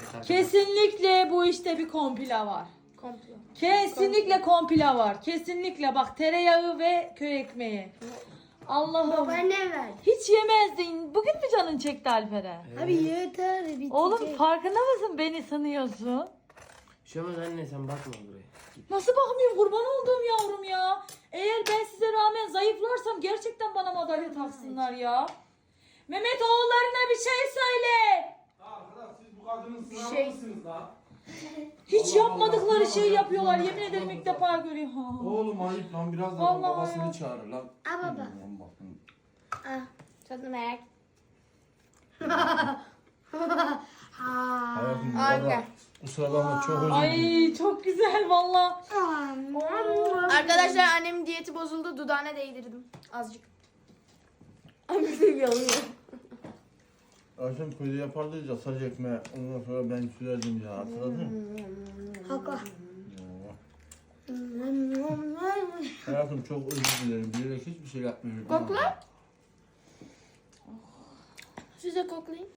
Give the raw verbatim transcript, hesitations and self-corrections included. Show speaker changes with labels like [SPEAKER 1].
[SPEAKER 1] Kesinlikle bu işte bir komplo var.
[SPEAKER 2] Komplo.
[SPEAKER 1] Kesinlikle komplo var. Kesinlikle bak, tereyağı ve köy ekmeği. Allah'ım.
[SPEAKER 2] Baba ne ver?
[SPEAKER 1] Hiç yemezdin. Bugün mü canın çekti Alperen?
[SPEAKER 3] Evet.
[SPEAKER 2] Abi yeter bitecek.
[SPEAKER 1] Oğlum farkında mısın, beni sanıyorsun?
[SPEAKER 3] Bir şey olmaz anne, sen bakma buraya. Git.
[SPEAKER 1] Nasıl bakmıyorum, kurban olduğum yavrum ya. Eğer ben size rağmen zayıflarsam gerçekten bana madalya taksınlar ya. Mehmet, oğullarına bir şey söyle.
[SPEAKER 4] Arkadaş siz bu kadının sınavı
[SPEAKER 2] Şey-
[SPEAKER 4] mısınız la?
[SPEAKER 1] Hiç
[SPEAKER 4] Allah
[SPEAKER 1] yapmadıkları
[SPEAKER 4] Allah,
[SPEAKER 1] şeyi
[SPEAKER 4] Allah
[SPEAKER 1] yapıyorlar.
[SPEAKER 4] Allah,
[SPEAKER 1] Yemin ederim
[SPEAKER 4] Allah
[SPEAKER 1] ilk
[SPEAKER 4] Allah.
[SPEAKER 1] defa görüyorum. Ha.
[SPEAKER 4] Oğlum ayıp lan, biraz da
[SPEAKER 1] Vallahi
[SPEAKER 4] babasını
[SPEAKER 1] ya.
[SPEAKER 4] çağır lan.
[SPEAKER 2] Aa, baba.
[SPEAKER 4] Lan bakın.
[SPEAKER 2] Ah, tadını merak.
[SPEAKER 4] Hayatım bu
[SPEAKER 2] Anne.
[SPEAKER 4] arada kusura bakma, çok özür dilerim.
[SPEAKER 1] Ay çok güzel valla.
[SPEAKER 2] Arkadaşlar annemin diyeti bozuldu. Dudağına değdirdim. Azıcık. Abi yanıyor.
[SPEAKER 4] Akşam köyde yapardı ya saç ekmeği, ondan sonra ben sürerdim ya, hatırladın mı?
[SPEAKER 2] Hakla.
[SPEAKER 4] Hayatım çok özür dilerim, bilerek hiçbir şey yapmıyorum.
[SPEAKER 2] Kokla. Size koklayayım.